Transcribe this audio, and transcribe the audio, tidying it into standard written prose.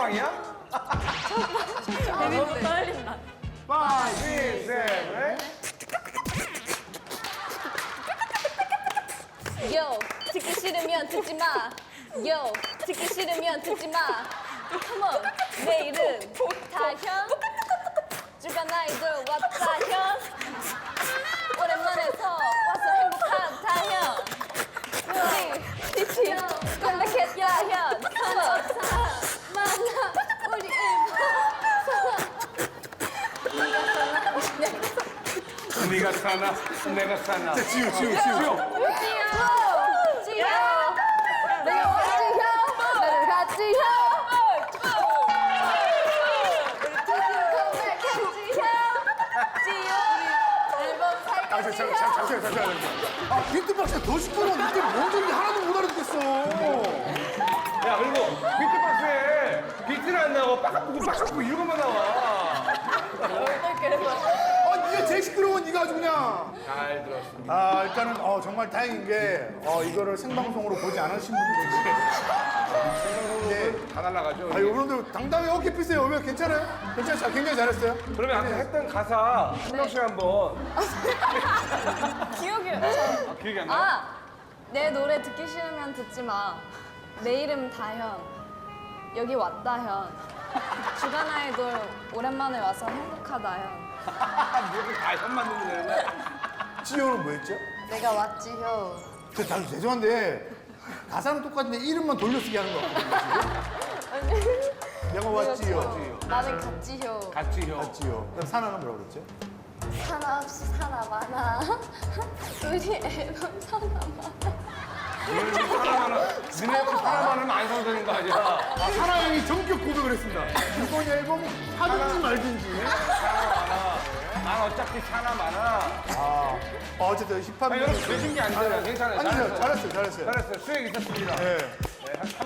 방이야? 너무 떨린다. 5, 6, 7, 8. 요 듣기 싫으면 듣지 마. 요 듣기 싫으면 듣지 마. Come on. 내 이름 다현. 주간 아이돌 왔다현. 오랜만에서 와서 행복한 다현. 우리 빛이 깜빡했다현. Come on. 만나 우리 일본. 네가 사나, 내가 사나. 지우. 지효! 내가 왔지효! 나를 갔지효! 우리 드디어 컴백했지효! 지효! 앨범 살겠지효! 잠시만요. 아, 비트박스가 더 시끄러운데 뭔 소리인지 하나도 못 알아듣겠어. 야, 그리고 비트박스에 비트는 안 나고 빡빡고 이런 것만 나와. 네가 제일 시끄러운 건 네가 아주 그냥. 잘 들었습니다. 아, 일단은 정말 다행인 게 이거를 생방송으로 보지 않으신 분들이 계시네. 다 날라가죠. 여러분들 당당히 어깨 피세요. 왜 괜찮아요? 괜찮아요. 굉장히 잘했어요. 그러면 아까 했던 가사 한 명씩 한번. 기억이 기억이 안 나? 아! 내 노래 듣기 싫으면 듣지 마. 내 이름 다현. 여기 왔다현. 주간 아이돌 오랜만에 와서 행복하다현. 무슨 다 현만 듣는 되는데? 지효는 뭐였죠? 내가 왔지효. 나도 죄송한데 가사는 똑같은데 이름만 돌려쓰기 하는 거 같거든요. 내가 왔지요. 나는 갔지효. 같이 형. 왔지요. 그럼 사나는 뭐라고 그랬죠? 사나 없이 사나 많아. 우리 앨범 사나 많아. 니네 사람하면 안 성사된 거 아니야? 사나 형이 전격 고백을 했습니다. 이번 앨범 하든지 말든지. 난 어차피 사나 많아. 어쨌든 힙합. 여러분 되신 게 아니잖아요. 괜찮아요. 아니요, 잘했어요. 잘했어요. 수행 있었습니다. 네. 네, 한